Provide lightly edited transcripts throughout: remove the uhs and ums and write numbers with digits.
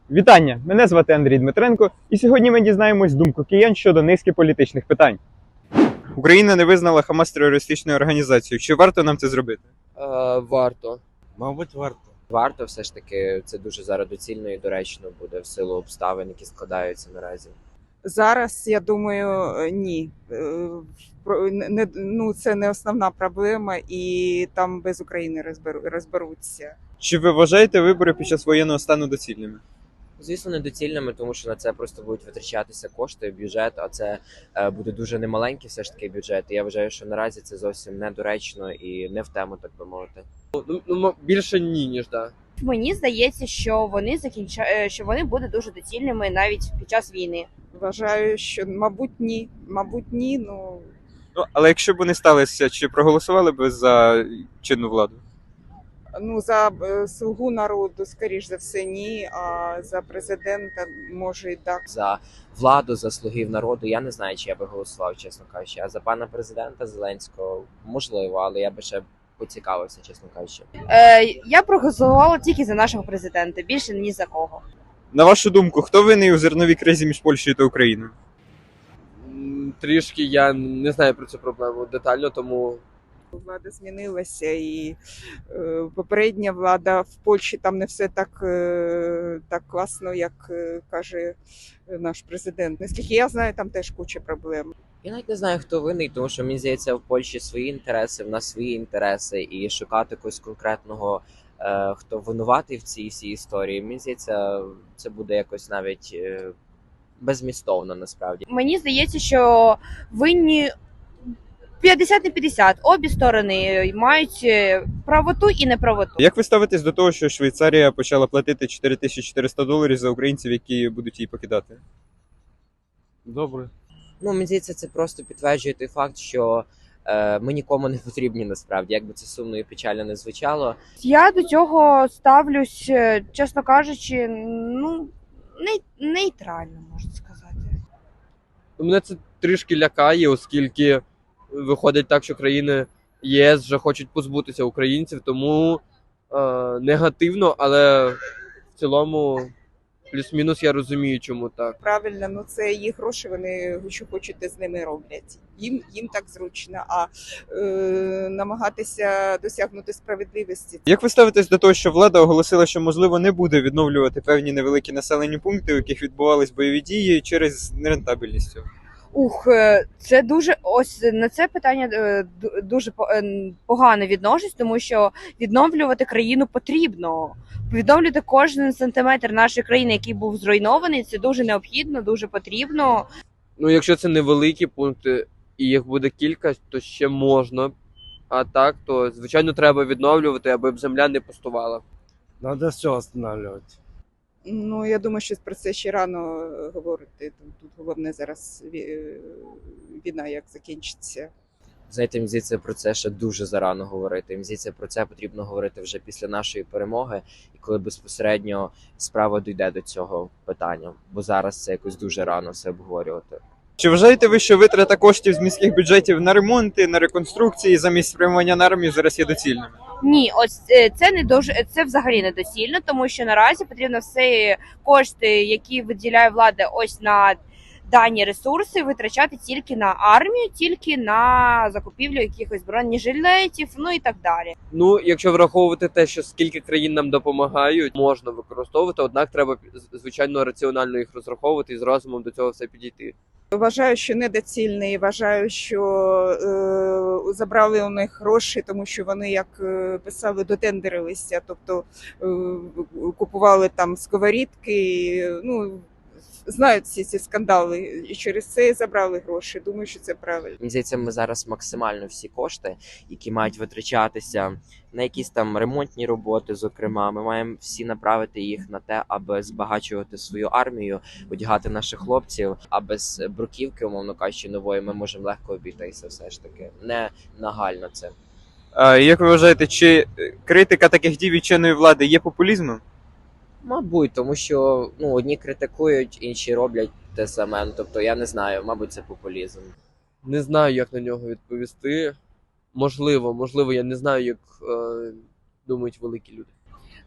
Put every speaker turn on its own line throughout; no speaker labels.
Вітання! Мене звати Андрій Дмитренко, і сьогодні ми дізнаємось думку киян щодо низки політичних питань. Україна не визнала Хамас терористичною організацією. Чи варто нам це зробити?
Варто.
Мабуть, варто.
Варто все ж таки, це дуже зараз доцільно і доречно буде в силу обставин, які складаються наразі.
Зараз, я думаю, ні. Це не основна проблема, і там без України розберуться.
Чи ви вважаєте вибори під час воєнного стану доцільними?
Звісно, недоцільними, тому що на це просто будуть витрачатися кошти, бюджет, а це буде дуже немаленький все ж таки бюджет. І я вважаю, що наразі це зовсім недоречно і не в тему, так би мовити.
Більше ні, ніж да.
Мені здається, що вони будуть дуже доцільними навіть під час війни.
Вважаю, що, мабуть, ні. Мабуть, ні, ну...
Але якщо б вони сталися, чи проголосували б за чинну владу?
Ну, за «Слугу народу», скоріш за все, ні, а за президента, може, і так.
За владу, за слугів народу, я не знаю, чи я би голосував, чесно кажучи. А за пана президента Зеленського, можливо, але я би ще поцікавився, чесно кажучи.
Я проголосувала тільки за нашого президента, більше ні за кого.
На вашу думку, хто винний у зерновій кризі між Польщею та Україною?
Трішки я не знаю про цю проблему детально, тому
Влада змінилася, і попередня влада в Польщі там не все так класно, як каже наш президент. Наскільки я знаю, там теж куча проблем.
Я навіть не знаю, хто винний, тому що мені здається, в Польщі свої інтереси, в нас свої інтереси, і шукати когось конкретного, хто винуватий в цій всій історії, мені здається, це буде якось навіть безмістовно насправді.
Мені здається, що винні 50 на 50. Обі сторони мають правоту і неправоту.
Як ви ставитесь до того, що Швейцарія почала платити $4400 за українців, які будуть її покидати?
Добре.
Ну, мені здається, це просто підтверджує той факт, що ми нікому не потрібні насправді, як би це сумно і печально не звучало.
Я до цього ставлюсь, чесно кажучи, нейтрально, можна сказати.
мене це трішки лякає, оскільки виходить так, що країни ЄС вже хочуть позбутися українців, тому негативно, але в цілому плюс-мінус я розумію, чому так.
Правильно, ну це їх гроші, вони що хочуть, те з ними роблять. Їм так зручно, а намагатися досягнути справедливості.
Як ви ставитесь до того, що влада оголосила, що, можливо, не буде відновлювати певні невеликі населені пункти, у яких відбувались бойові дії через нерентабельність цього?
Це дуже ось на це питання дуже погано відношусь, тому що відновлювати країну потрібно. Відновлювати кожен сантиметр нашої країни, який був зруйнований, це дуже необхідно, дуже потрібно.
Ну, якщо це невеликі пункти і їх буде кілька, то ще можна. А так, то, звичайно, треба відновлювати, аби земля не пустувала.
Надо все останавливать.
Ну, я думаю, що про це ще рано говорити. Тут головне зараз війна, як закінчиться.
Знаєте, мені здається, про це ще дуже зарано говорити. Мені здається, про це потрібно говорити вже після нашої перемоги, і коли безпосередньо справа дійде до цього питання. Бо зараз це якось дуже рано все обговорювати.
Чи вважаєте ви, що витрата коштів з міських бюджетів на ремонти, на реконструкції замість спрямування на армію зараз є доцільними?
Ні, ось це взагалі недоцільно, тому що наразі потрібно все кошти, які виділяє влада ось на дані ресурси, витрачати тільки на армію, тільки на закупівлю якихось бронежилетів, ну і так далі.
Ну, якщо враховувати те, що скільки країн нам допомагають, можна використовувати, однак треба, звичайно, раціонально їх розраховувати і з розумом до цього все підійти.
Вважаю, що недоцільний, вважаю, що забрали у них гроші, тому що вони, як писали, дотендерилися, тобто купували там сковорідки, ну, знають всі ці скандали, і через це забрали гроші. Думаю, що це правильно.
Мені здається, ми зараз максимально всі кошти, які мають витрачатися на якісь там ремонтні роботи, зокрема, ми маємо всі направити їх на те, аби збагачувати свою армію, одягати наших хлопців, а без бруківки, умовно кажучи, нової, ми можемо легко обійтися все ж таки. Не нагально це.
Як ви вважаєте, чи критика таких дій від чинної влади є популізмом?
Мабуть, тому що одні критикують, інші роблять те саме. Тобто, я не знаю, мабуть, це популізм.
Не знаю, як на нього відповісти. Можливо, я не знаю, як думають великі люди.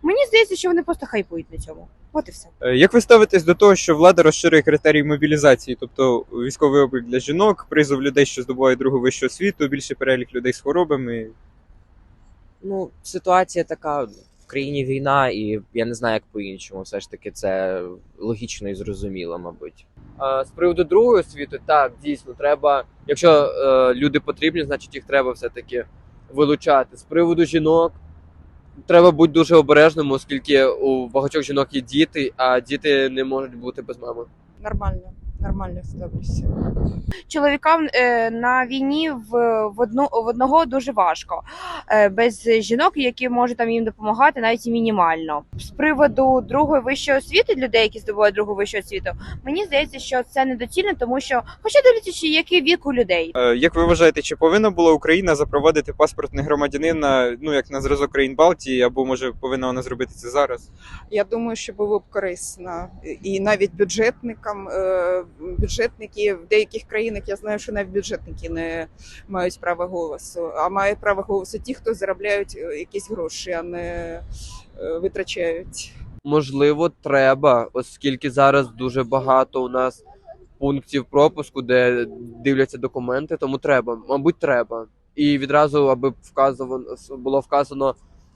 Мені здається, що вони просто хайпують на цьому. От і все.
Як ви ставитесь до того, що влада розширює критерії мобілізації, тобто військовий облік для жінок, призов людей, що здобувають другу вищу освіту, більший перелік людей з хворобами?
Ну, ситуація така, в країні війна, і я не знаю, як по-іншому. Все ж таки, це логічно і зрозуміло, мабуть.
З приводу другої освіти, так, дійсно, треба. Якщо люди потрібні, значить їх треба все-таки вилучати. З приводу жінок, треба бути дуже обережним, оскільки у багатьох жінок є діти, а діти не можуть бути без мами.
Нормально ставлюся.
Чоловікам на війні в одного дуже важко. Без жінок, які можуть там їм допомагати, навіть і мінімально. З приводу другої вищої освіти, людей, які здобувають другу вищу освіту, мені здається, що це недоцільно, тому що, хоча дивлячись, який вік у людей.
Як ви вважаєте, чи повинна була Україна запровадити паспорт негромадянина, ну як на зразок країн Балтії, або може повинна вона зробити це зараз?
Я думаю, що було б корисно. І навіть бюджетники в деяких країнах, я знаю, що навіть бюджетники не мають права голосу, а мають право голосу ті, хто заробляють якісь гроші, а не витрачають.
Можливо, треба, оскільки зараз дуже багато у нас пунктів пропуску, де дивляться документи, тому треба, мабуть, треба. І відразу, аби було вказано,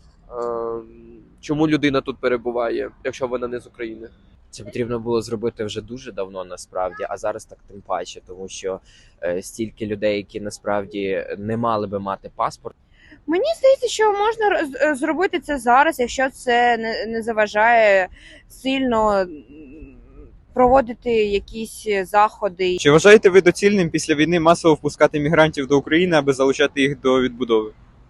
чому людина тут перебуває, якщо вона не з України.
Це потрібно було зробити вже дуже давно, насправді, а зараз так тим паче, тому що стільки людей, які насправді не мали би мати паспорт.
Мені здається, що можна зробити це зараз, якщо це не заважає сильно проводити якісь заходи.
Чи вважаєте ви доцільним після війни масово впускати мігрантів до України, аби залучати їх до відбудови?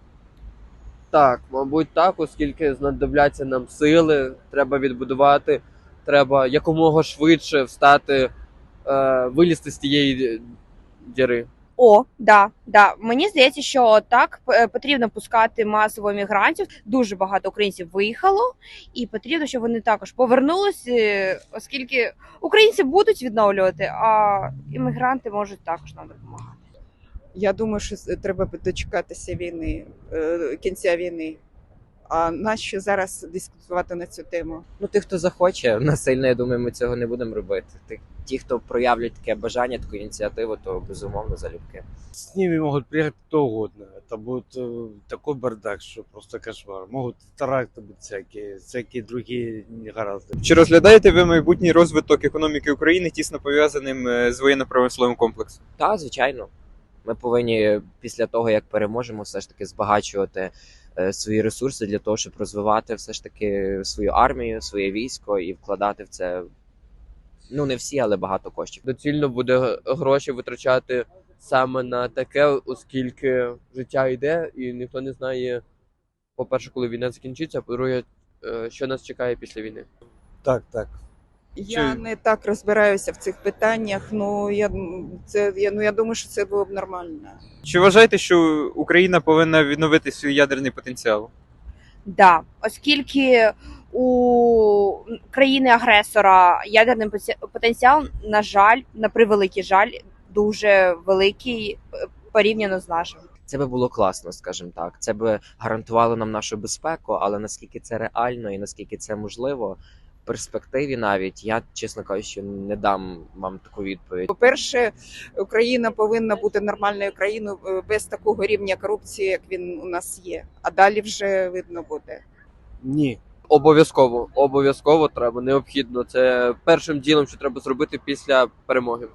Так, мабуть, так, оскільки знадобляться нам сили, треба відбудувати, треба якомога швидше встати, вилізти з тієї діри.
Да. Мені здається, що так потрібно пускати масово мігрантів. Дуже багато українців виїхало, і потрібно, щоб вони також повернулися, оскільки українці будуть відновлювати, а іммігранти можуть також нам допомагати.
Я думаю, що треба дочекатися війни, кінця війни. А нащо зараз дискутувати на цю тему?
Ну, тих, хто захоче, насильно, я думаю, ми цього не будемо робити. Ті, хто проявлять таке бажання, таку ініціативу, то безумовно залюбки.
С ними могут приехать кто угодно. Это будет такой бардак, что просто кошмар. Могут теракты быть всякие другие негаразды.
Чи розглядаєте ви майбутній розвиток економіки України тісно пов'язаним з воєнно-промисловим комплексом?
Так, звичайно. Ми повинні після того, як переможемо, все ж таки збагачувати свої ресурси для того, щоб розвивати все ж таки свою армію, своє військо і вкладати в це, ну не всі, але багато коштів.
Доцільно буде гроші витрачати саме на таке, оскільки життя йде, і ніхто не знає, по-перше, коли війна закінчиться, а по-друге, що нас чекає після війни.
Так.
Я не так розбираюся в цих питаннях. Я думаю, що це було б нормально.
Чи вважаєте, що Україна повинна відновити свій ядерний потенціал?
Да, оскільки у країни-агресора ядерний потенціал, на жаль, на превеликий жаль, дуже великий порівняно з нашим.
Це би було класно, скажімо так. Це би гарантувало нам нашу безпеку, але наскільки це реально і наскільки це можливо, в перспективі навіть, я, чесно кажучи, не дам вам таку відповідь.
По-перше, Україна повинна бути нормальною країною без такого рівня корупції, як він у нас є. А далі вже видно буде.
Ні.
Обов'язково треба, необхідно. Це першим ділом, що треба зробити після перемоги.